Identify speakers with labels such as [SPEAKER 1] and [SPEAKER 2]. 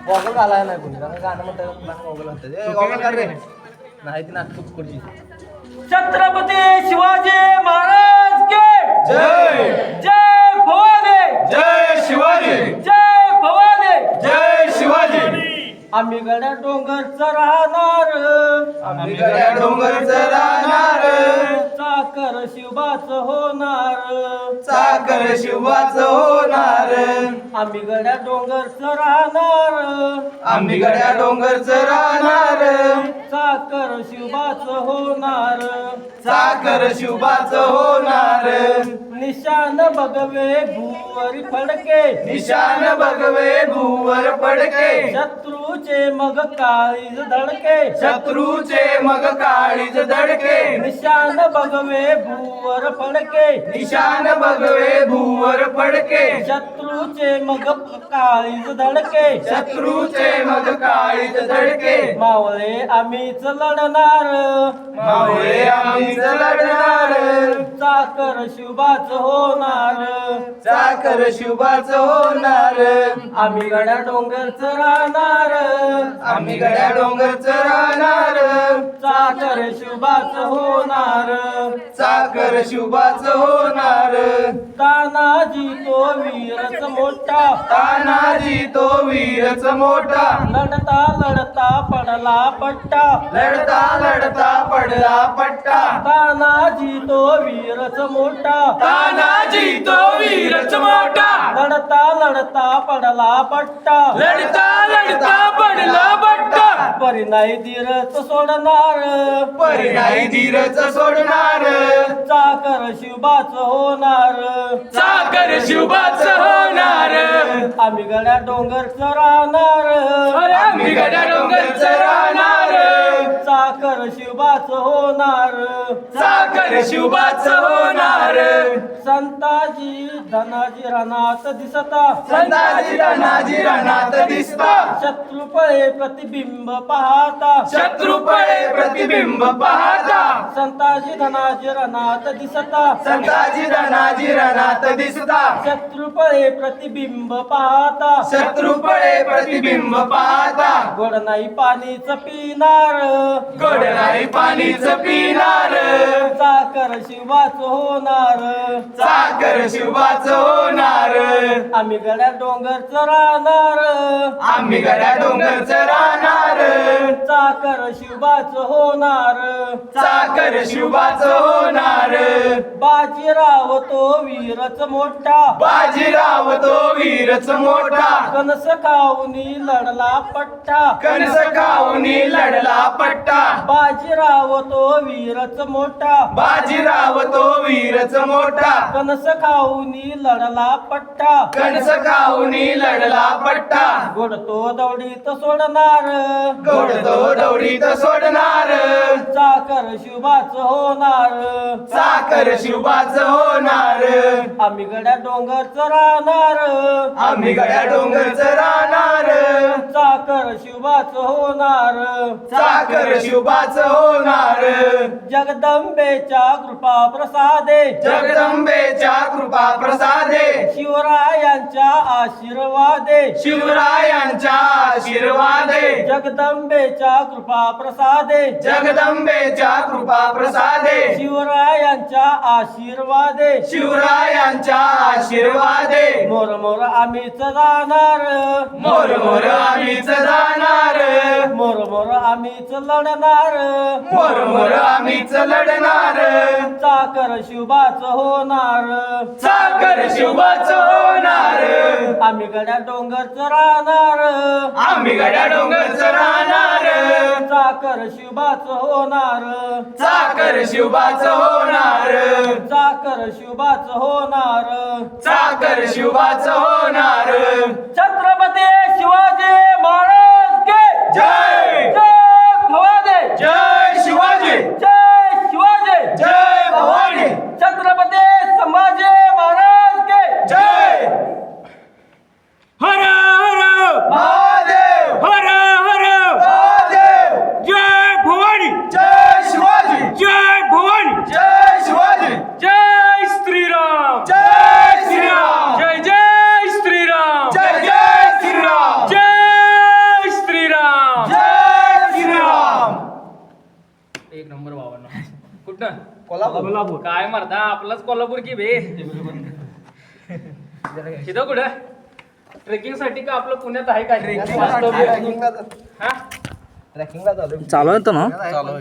[SPEAKER 1] Goggle घालाय नाही कोणी कारण गाणं म्हणतात गॉगल घालतात गॉगल घाल रे नाही ती नाटक कुठची
[SPEAKER 2] छत्रपती शिवाजी महाराज के
[SPEAKER 3] जय
[SPEAKER 2] जय भवानी
[SPEAKER 3] जय शिवाजी
[SPEAKER 2] जय भवानी
[SPEAKER 3] जय शिवाजी
[SPEAKER 2] आम्ही गड्या डोंगरचं राहणार
[SPEAKER 3] आम्ही गड्या डोंगरचं राहणार
[SPEAKER 2] चाकर शिवबाचं होणार
[SPEAKER 3] चाकर शिवाचं होणार
[SPEAKER 2] आम्ही गड्या डोंगरचं राहणार
[SPEAKER 3] आम्ही गड्या डोंगरचं राहणार
[SPEAKER 2] चाकर शिवबाचं होणार
[SPEAKER 3] चाकर शिवाचं होणार
[SPEAKER 2] निशान बघवे भूवरी फडके
[SPEAKER 3] निशान बघवे भूवर पडके
[SPEAKER 2] शत्रूचे मग काळीज धडके
[SPEAKER 3] शत्रूचे मग काळीज धडके
[SPEAKER 2] निशान बघवे भूवर फडके
[SPEAKER 3] निशान बघवे भूवर पडके
[SPEAKER 2] शत्रूचे मग काळीज धडके
[SPEAKER 3] शत्रूचे मग काळीज धडके
[SPEAKER 2] मावळे आम्हीच लढणार
[SPEAKER 3] मावळे आम्हीच लढणार
[SPEAKER 2] चाकर शिवबाच होणार
[SPEAKER 3] चाकर शिवाचं होणार
[SPEAKER 2] आम्ही गड्या डोंगरच राहणार
[SPEAKER 3] आम्ही गड्या डोंगरचं राहणार
[SPEAKER 2] चाकर शिवबाच होणार
[SPEAKER 3] चाकर शिवाचं होणार
[SPEAKER 2] तानाजी तो वीरच मोठा
[SPEAKER 3] तानाजी तो वीरच मोठा
[SPEAKER 2] लढता लढता पडला पट्टा
[SPEAKER 3] लढता लढता पडला पट्टा
[SPEAKER 2] तानाजी तो वीरच मोठा
[SPEAKER 3] तानाजी तो वीरच मोठा
[SPEAKER 2] लढता लढता पडला पट्टा
[SPEAKER 3] लढता लढता पडला पट्टा
[SPEAKER 2] परी नाही धीरच सोडणार
[SPEAKER 3] परी नाही धीरच सोडणार
[SPEAKER 2] चाकर शिवबाच होणार
[SPEAKER 3] चाकर शिवाचं होणार
[SPEAKER 2] आम्ही गड्या डोंगरच राहणार
[SPEAKER 3] आम्ही गड्या डोंगरचं राहणार
[SPEAKER 2] चाकर शिवबाच होणार
[SPEAKER 3] चाकर शिवाचं होणार
[SPEAKER 2] संताजी धनाजी रणात दिसता
[SPEAKER 3] संताजी धनाजी रणात दिसता
[SPEAKER 2] शत्रुपळे प्रतिबिंब पाहता
[SPEAKER 3] शत्रुपळे प्रतिबिंब पाहता
[SPEAKER 2] संताजी धनाजी रणात दिसता
[SPEAKER 3] संताजी धनाजी रणात दिसता
[SPEAKER 2] शत्रुपळे प्रतिबिंब पाहता
[SPEAKER 3] शत्रुपळे प्रतिबिंब पाहता
[SPEAKER 2] गोड नाही पाणीच पिणार
[SPEAKER 3] गोड नाही पाणीच पिणार
[SPEAKER 2] चाकर शिवाच होणार
[SPEAKER 3] चाकर शिवाचं होणार
[SPEAKER 2] आम्ही गड्या डोंगरच राहणार
[SPEAKER 3] आम्ही गड्या डोंगरचं राहणार
[SPEAKER 2] चाकर शिवाच होणार
[SPEAKER 3] चाकर शिवाचं होणार
[SPEAKER 2] बाजीराव तो वीरच मोठा
[SPEAKER 3] बाजीराव तो वीरच मोठा
[SPEAKER 2] कणस खाऊनी लढला पट्टा
[SPEAKER 3] कणस खाऊनी लढला पट्टा
[SPEAKER 2] बाजीराव तो वीरच मोठा
[SPEAKER 3] बाजीराव तो वीरच मोठा
[SPEAKER 2] कणस खाऊनी लढला पट्टा
[SPEAKER 3] कणस खाऊनी लढला पट्टा
[SPEAKER 2] गोड तो दौडीत सोडणार
[SPEAKER 3] गोड तो दौडीत सोडणार
[SPEAKER 2] चाकर शिवबाच होणार
[SPEAKER 3] चाकर शिवाचं होणार
[SPEAKER 2] आम्ही गड्या डोंगरच राहणार
[SPEAKER 3] आम्ही गड्या डोंगरचं राहणार
[SPEAKER 2] चाकर शिवबाच होणार
[SPEAKER 3] चाकर शिवाचं होणार
[SPEAKER 2] जगदंबेच्या कृपा प्रसादे
[SPEAKER 3] जगदंबेच्या कृपा प्रसादे
[SPEAKER 2] शिवरायांच्या आशीर्वादे
[SPEAKER 3] शिवरायांच्या आशीर्वादे
[SPEAKER 2] जगदंबेच्या कृपा प्रसादे
[SPEAKER 3] जगदंबेच्या कृपा प्रसादे
[SPEAKER 2] शिवरायांच्या आशीर्वादे
[SPEAKER 3] शिवरायांच्या आशीर्वादे
[SPEAKER 2] मोर मोर आम्हीच जाणार
[SPEAKER 3] मोर मोर आम्हीच जाणार
[SPEAKER 2] मोर मोर आम्हीच लढणार
[SPEAKER 3] मोर मोर आम्हीच लढणार
[SPEAKER 2] चाकर शिवबाच होणार
[SPEAKER 3] चाकर शिवाचं होणार
[SPEAKER 2] आम्ही गड्या डोंगरच राहणार
[SPEAKER 3] आम्ही गड्या डोंगरचं राहणार
[SPEAKER 2] चाकर शिवबाच होणार
[SPEAKER 3] चाकर शिवाचं होणार
[SPEAKER 2] चाकर शिवबाच होणार
[SPEAKER 3] चाकर शिवाचं होणार
[SPEAKER 2] छत्रपती शिवाजी महाराज के
[SPEAKER 3] जय
[SPEAKER 2] जय भवानी
[SPEAKER 3] जय शिवाजी
[SPEAKER 2] जय शिवाजी
[SPEAKER 3] जय भवानी
[SPEAKER 2] छत्रपती संभाजी महाराज के
[SPEAKER 3] जय
[SPEAKER 2] हर हर
[SPEAKER 3] महादेव
[SPEAKER 2] हर हर
[SPEAKER 3] महादेव
[SPEAKER 2] जय भवानी
[SPEAKER 3] जय शिवाजी
[SPEAKER 2] जय भवानी
[SPEAKER 3] जय शिवाजी
[SPEAKER 2] जय श्रीराम
[SPEAKER 3] जय श्रीराम
[SPEAKER 2] जय जय श्रीराम
[SPEAKER 3] जय जय
[SPEAKER 4] एक नंबर भावांना. कुठं
[SPEAKER 1] कोल्हापूर
[SPEAKER 4] काय मारता आपलाच कोल्हापूर की बे तिथं कुठं ट्रेकिंग साठी का आपलं पुण्यात आहे काय
[SPEAKER 1] ट्रेकिंगला
[SPEAKER 4] हा
[SPEAKER 1] ट्रेकिंगला चालू
[SPEAKER 5] चालू आहे ना
[SPEAKER 1] चालू